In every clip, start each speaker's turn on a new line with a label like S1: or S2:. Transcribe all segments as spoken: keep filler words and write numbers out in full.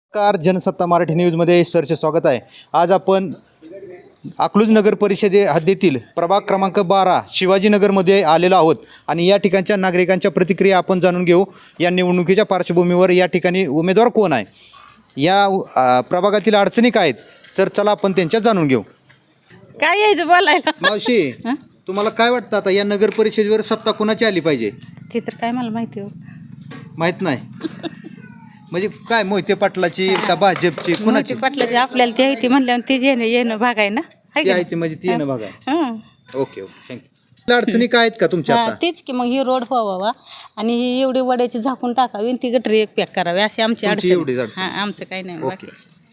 S1: Car Jansatta Marathi न्यूजमध्ये सरचे स्वागत आहे. आज आपण अकलूज नगर परिषदे हद्दीतील प्रभाग क्रमांक बारा शिवाजीनगरमध्ये आलेलो आहोत आणि या ठिकाणच्या नागरिकांच्या प्रतिक्रिया आपण जाणून घेऊ. या निवडणुकीच्या पार्श्वभूमीवर या ठिकाणी उमेदवार कोण आहे, या अ, प्रभागातील अडचणी काय आहेत, तर चला आपण त्यांच्यात जाणून घेऊ.
S2: काय यायचं बोलायला?
S1: मावशी, तुम्हाला काय वाटतं आता या नगर परिषदेवर सत्ता कोणाची आली पाहिजे?
S2: ते तर काय मला माहिती हो.
S1: माहीत नाही म्हणजे काय मोहिते पाटलाची का भाजपची
S2: मोहिते
S1: कोणाची?
S2: पाटलाची आपल्याला ती आहे ती म्हणल्यावर ती येणं येणं भाग आहे ना. हाय
S1: ती
S2: का
S1: आहे
S2: नाही?
S1: ती म्हणजे ती आहे ना बघा.
S2: हं.
S1: Okay okay thank you. अडचणी काय आहेत का तुमच्या
S2: हा,
S1: आता?
S2: तेच की मग ही रोड व्हावा आणि ही एवढी वड्याची झाकून टाकावी आणि ती गटरी एक पॅक करावी अशी आमची
S1: तुमची एवढीच
S2: अडचण.
S1: अडचण.
S2: हा, आमचं काही नाही बाकी.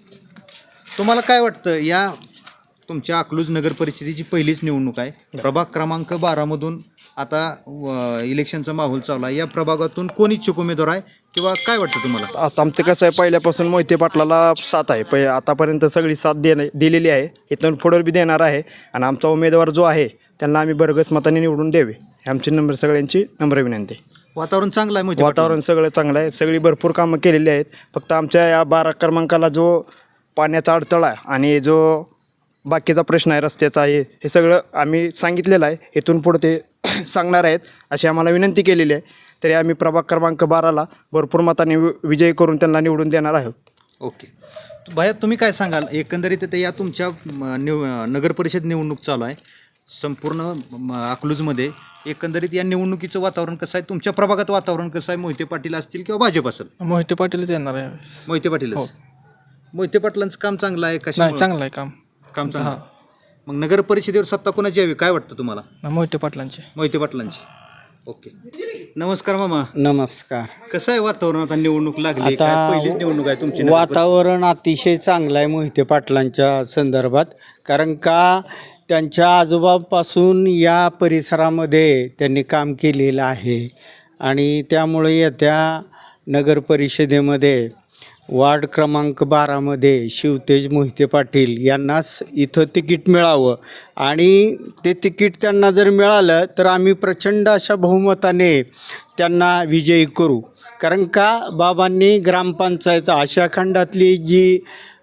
S1: तुम्हाला काय वाटतं या तुमच्या अकलूज नगर परिषदेची पहिलीच निवडणूक आहे. प्रभाग क्रमांक बारा मधून आता अ, इलेक्शनचा माहोल चालू आहे. या प्रभागातून कोण इच्छुक उमेदवार आहे किंवा काय वाटतं तुम्हाला?
S3: आता आमचं कसं आहे, पहिल्यापासून मोहिते पाटलाला साथ आहे. पहि आतापर्यंत सगळी साथ देणे दिलेली आहे, इथून पुढे बी देणार आहे. आणि आमचा उमेदवार जो आहे त्यांना आम्ही भरघोस मताने निवडून द्यावे ही आमची नंबर सगळ्यांची नम्र विनंती आहे.
S1: वातावरण चांगलं आहे मोहिते
S3: वातावरण सगळं चांगलं आहे, सगळी भरपूर कामं केलेली आहेत. फक्त आमच्या या बारा क्रमांकाला जो पाण्याचा अडथळा आहे आणि जो बाकीचा प्रश्न आहे रस्त्याचा आहे, हे सगळं आम्ही सांगितलेलं आहे. इथून पुढे ते सांगणार आहेत अशी आम्हाला विनंती केलेली आहे. तरी आम्ही प्रभाग क्रमांक बाराला भरपूर मताने वि विजयी करून त्यांना निवडून देणार आहोत.
S1: ओके भैया, तुम्ही काय सांगाल एकंदरीत ते या तुमच्या म, निव नगर परिषद निवडणूक चालू आहे संपूर्ण म, अकलूजमध्ये. एकंदरीत या निवडणुकीचं वातावरण कसं आहे, तुमच्या प्रभागात वातावरण कसं आहे? मोहिते पाटील असतील किंवा भाजप असेल?
S4: मोहिते पाटीलच येणार आहे.
S1: मोहिते पाटील.
S4: हो.
S1: मोहिते पाटलांचं काम चांगलं आहे कशा
S4: नाही, चांगलं आहे काम.
S1: काम चांगलं आहे.
S4: हा.
S1: मग नगर परिषदेवर सत्ता कोणाची यावी काय वाटतं तुम्हाला?
S4: मोहिते पाटलांचे.
S1: मोहिते पाटलांची. ओके नमस्कार मामा.
S5: नमस्कार.
S1: कसं आहे वातावरण आता निवडणूक लागली,
S5: आता
S1: काय पहिलीच निवडणूक आहे तुमची नगर
S5: वातावरण अतिशय चांगलं आहे मोहिते पाटलांच्या संदर्भात. कारण का त्यांच्या आजोबापासून या परिसरामध्ये त्यांनी काम केलेलं आहे आणि त्यामुळे येत्या नगर परिषदेमध्ये वार्ड क्रमांक बारामध्ये शिवतेज मोहिते पाटील यांनाच इथं तिकीट मिळावं आणि ते तिकीट त्यांना जर मिळालं तर आम्ही प्रचंड अशा बहुमताने त्यांना विजयी करू. कारण का बाबांनी ग्रामपंचायत आशिया खंडातली जी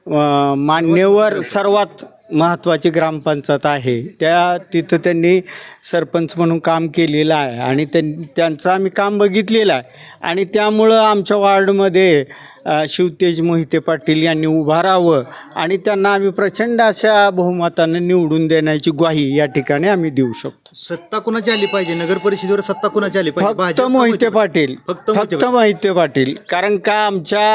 S5: अ, मान्यवर सर्वात महत्त्वाची ग्रामपंचायत आहे त्या तिथं त्यांनी सरपंच म्हणून काम केलेलं आहे आणि त्यां त्यांचं आम्ही काम बघितलेलं आहे आणि त्यामुळं आमच्या वार्डमध्ये अ, शिवतेज मोहिते पाटील यांनी उभा राहावं आणि त्यांना आम्ही प्रचंड अशा बहुमतानं निवडून देण्याची ग्वाही या ठिकाणी आम्ही देऊ शकतो.
S1: सत्ता कोणाची आली पाहिजे नगर परिषदेवर? सत्ता कोणाची आली पाहिजे?
S5: फक्त
S1: भाजप का
S5: मोहिते पाटील.
S1: फक्त मोहिते
S5: फक्त मोहिते पाटील. कारण का आमच्या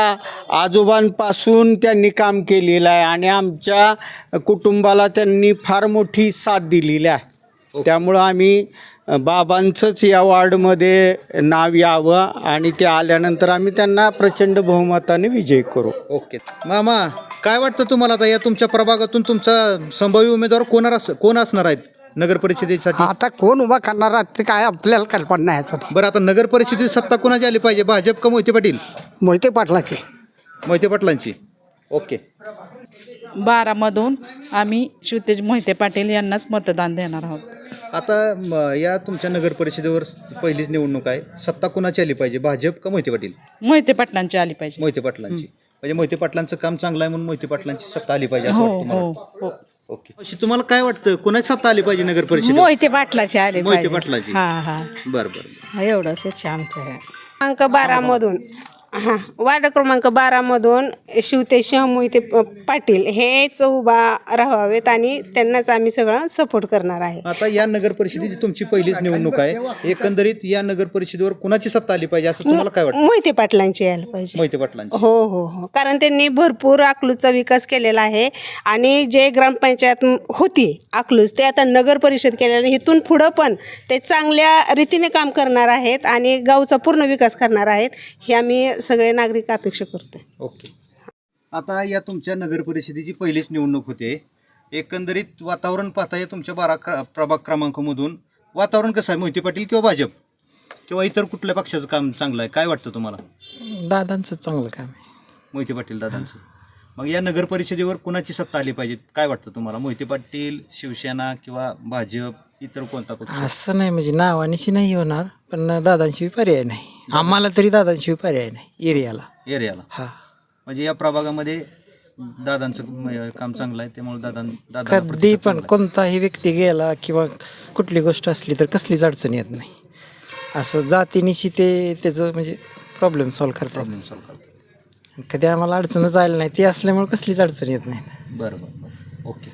S5: आजोबांपासून त्यांनी काम केलेलं आहे आणि आमच्या कुटुंबाला त्यांनी फार मोठी साथ दिलेली आहे. त्यामुळं आम्ही बाबांचंच या वार्डमध्ये नाव यावं आणि ते आल्यानंतर आम्ही त्यांना प्रचंड बहुमताने विजय करू.
S1: ओके मामा, काय वाटतं तुम्हाला आता या तुमच्या प्रभागातून तुमचा संभाव्य उमेदवार कोण अस कोण असणार आहेत नगर परिषदेसाठी?
S6: आता कोण उभा करणार ते काय आपल्याला कल्पना नाही यासाठी.
S1: बरं, आता नगर परिषदेत सत्ता कोणाची आली पाहिजे, भाजप का मोहिते पाटील?
S6: मोहिते पाटलाचे.
S1: मोहिते पाटलांची. ओके
S7: बारामधून आम्ही शिवतेज मोहिते पाटील यांनाच मतदान देणार आहोत.
S1: आता म, या तुमच्या नगर परिषदेवर पहिलीच निवडणूक आहे. सत्ता कोणाची आली पाहिजे, भाजप का मोहिते पाटील?
S7: मोहिते पाटलांची आली पाहिजे.
S1: मोहिते पाटलांची. म्हणजे मोहिते पाटलांचं काम चांगलं आहे म्हणून मोहिते पाटलांची सत्ता आली पाहिजे असं
S7: हो
S1: वाटतं मला.
S7: हो हो
S1: ओके अशी तुम्हाला काय वाटतं कोणाची सत्ता आली पाहिजे नगर परिषदेवर?
S2: मोहिते पाटलाचे आले
S1: मोहिते
S2: पाहिजे.
S1: पाटलाची.
S2: हा हा
S1: बरं बरं.
S2: एवढंच इच्छा आमचं आहे.
S8: क्रमांक बारामधून हां वार्ड क्रमांक बारामधून शिवतेज मोहिते प- पाटील हेच उभा राहावेत आणि त्यांनाच आम्ही सगळं सपोर्ट करणार आहे.
S1: आता या नगर परिषदेची तुमची पहिलीच निवडणूक आहे. एकंदरीत या नगर परिषदेवर कुणाची सत्ता आली पाहिजे असं तुम्हाला काय वाटतं?
S8: मोहिते पाटलांची यायला पाहिजे.
S1: मोहिते पाटलांची.
S8: हो हो हो कारण त्यांनी भरपूर अकलूजचा विकास केलेला आहे आणि जे ग्रामपंचायत होती अकलूज ते आता नगर परिषद केलेलं आहे. इथून पुढं पण ते चांगल्या रीतीने काम करणार आहेत आणि गावचा पूर्ण विकास करणार आहेत हे आम्ही सगळे नागरिक अपेक्षा करतो.
S1: ओके आता या तुमच्या नगर परिषदेची पहिलीच निवडणूक होते. एकंदरीत वातावरण पाहता या तुमच्या बारा क्र प्रभाग क्रमांकामधून वातावरण कसं आहे, मोहिते पाटील किंवा भाजप किंवा इतर कुठल्या पक्षाचं काम चांगलं आहे? काय वाटतं तुम्हाला?
S4: दादांचं चांगलं काम आहे.
S1: मोहिते पाटील दादांचं. मग या नगर परिषदेवर कुणाची सत्ता आली पाहिजे काय वाटतं तुम्हाला? मोहिते पाटील, शिवसेना किंवा भाजप, इतर कोणता पक्ष?
S4: असं नाही म्हणजे नावानिशी नाही होणार, पण दादांशिवाय पर्याय नाही. आम्हाला तरी दादांशिवाय पर्याय नाही एरियाला.
S1: एरियाला.
S4: हा
S1: म्हणजे या प्रभागामध्ये दादांचं म- काम चांगलं आहे, त्यामुळे दादा दादा
S4: कधी पण कोणताही व्यक्ती गेला किंवा कुठली गोष्ट असली तर कसलीच अडचण येत नाही. असं जातीनिशी ते त्याचं म्हणजे प्रॉब्लेम सॉल्व्ह करतात.
S1: प्रॉब्लेम सॉल्व्ह करतो.
S4: कधी आम्हाला अडचणच आली नाही, ती असल्यामुळे कसलीच अडचण येत नाही.
S1: बरं बरं बरं. ओके.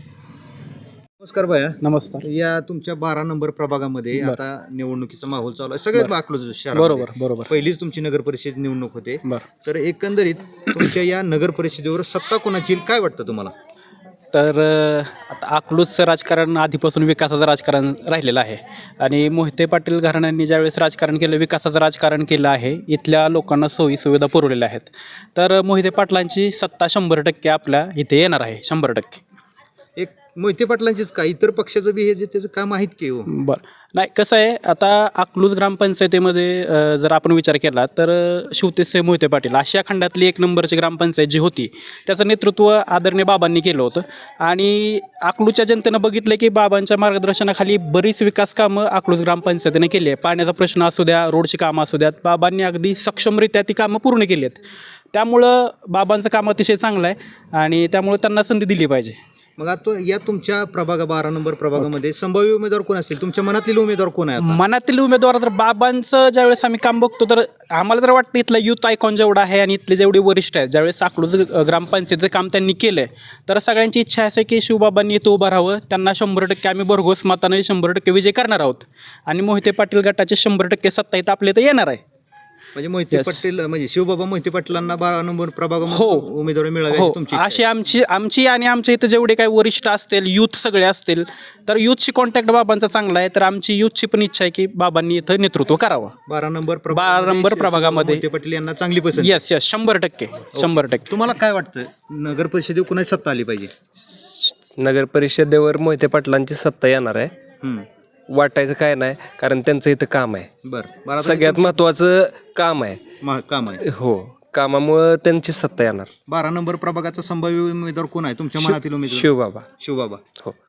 S1: नमस्कार भैया.
S9: नमस्कार.
S1: या तुमच्या बारा नंबर प्रभागामध्ये
S9: बरं.
S1: आता निवडणुकीचा माहोल चालू आहे सगळ्यात अकलूज शहर.
S9: बरोबर बरोबर
S1: पहिलीच तुमची नगर परिषद निवडणूक होते.
S9: बरं.
S1: तर एकंदरीत तुमच्या या नगर परिषदेवर सत्ता कोणाची येईल काय वाटतं तुम्हाला?
S9: तर अ, आता अकलूजचं राजकारण आधीपासून विकासाचं राजकारण राहिलेलं आहे आणि मोहिते पाटील घराण्यांनी ज्यावेळेस राजकारण केलं, विकासाचं राजकारण केलं आहे, इथल्या लोकांना सोयी सुविधा पुरवलेल्या आहेत. तर मोहिते पाटलांची सत्ता शंभर टक्के आपल्या इथे येणार आहे, शंभर टक्के.
S1: एक मोहिते पाटलांचीच का इतर पक्षाचं बी हे जे त्याचं काम आहेत की हो?
S9: बरं. नाही, कसं आहे, आता अकलूज ग्रामपंचायतीमध्ये अ, जर आपण विचार केला तर अ, शिवतेजसाहेब मोहिते पाटील आशिया खंडातली एक नंबरची ग्रामपंचायत जी होती त्याचं नेतृत्व आदरणीय बाबांनी केलं होतं आणि अकलूजच्या जनतेनं बघितलं की बाबांच्या मार्गदर्शनाखाली बरीच विकास कामं अकलूज ग्रामपंचायतीने केली आहे. पाण्याचा प्रश्न असू द्या, रोडची कामं असू द्यात, बाबांनी अगदी सक्षमरित्या ती कामं पूर्ण केली आहेत. त्यामुळं बाबांचं काम अतिशय चांगलं आहे आणि त्यामुळं त्यांना संधी दिली पाहिजे.
S1: मग आता या तुमच्या प्रभाग बारा नंबर प्रभागामध्ये संभाव्य उमेदवार कोण असतील? तुमच्या मनातील उमेदवार कोण आहे आता?
S9: मनातील उमेदवार तर बाबांचं ज्यावेळेस आम्ही काम बघतो तर आम्हाला तर वाटतं इथलं युथ आयकॉन जेवढा आहे आणि इथले जेवढे वरिष्ठ आहेत, ज्यावेळेस अकलूज ग्रामपंचायतीचं काम त्यांनी केलं आहे तर सगळ्यांची इच्छा असे की शिवबाबांनी इथं उभं राहावं, त्यांना शंभर टक्के आम्ही भरघोस मताने शंभर टक्के विजय करणार आहोत आणि मोहिते पाटील गटाचे शंभर टक्के सत्ता इथं आपल्या इथं येणार आहे.
S1: म्हणजे मोहिते
S9: Yes.
S1: पाटील म्हणजे शिवबाबा मोहिते पाटलांना बारा नंबर प्रभागामध्ये
S9: हो.
S1: उमेदवारी मिळावी
S9: हो,
S1: अशी तुमची इच्छा
S9: अशी
S1: आहे?
S9: आमची आमची आणि आमच्या इथं जेवढे काही वरिष्ठ असतील, यूथ सगळे असतील, तर यूथची कॉन्टॅक्ट बाबांचा चांगला आहे, तर आमची यूथची पण इच्छा आहे की बाबांनी इथं नेतृत्व करावं.
S1: बारा नंबर
S9: बारा नंबर
S1: शिवबाबा
S9: प्रभागामध्ये
S1: मोहिते पाटील यांना चांगली पसंत.
S9: येस येस शंभर टक्के शंभर टक्के.
S1: तुम्हाला काय वाटतं नगर परिषदेवर कोणाची सत्ता आली पाहिजे?
S10: नगर परिषदेवर मोहिते पाटलांची सत्ता येणार आहे.
S1: हम्म.
S10: वाटायचं काय नाही, कारण त्यांचं इथं काम आहे,
S1: बरं. बारा
S10: सगळ्यात महत्त्वाचं काम आहे.
S1: मा- काम आहे.
S10: हो, कामामुळं त्यांची सत्ता येणार.
S1: बारा नंबर प्रभागाचा संभाव्य उमेदवार कोण आहे तुमच्या मनातील उमेदवार?
S10: शिवबाबा.
S1: शिवबाबा.
S10: हो.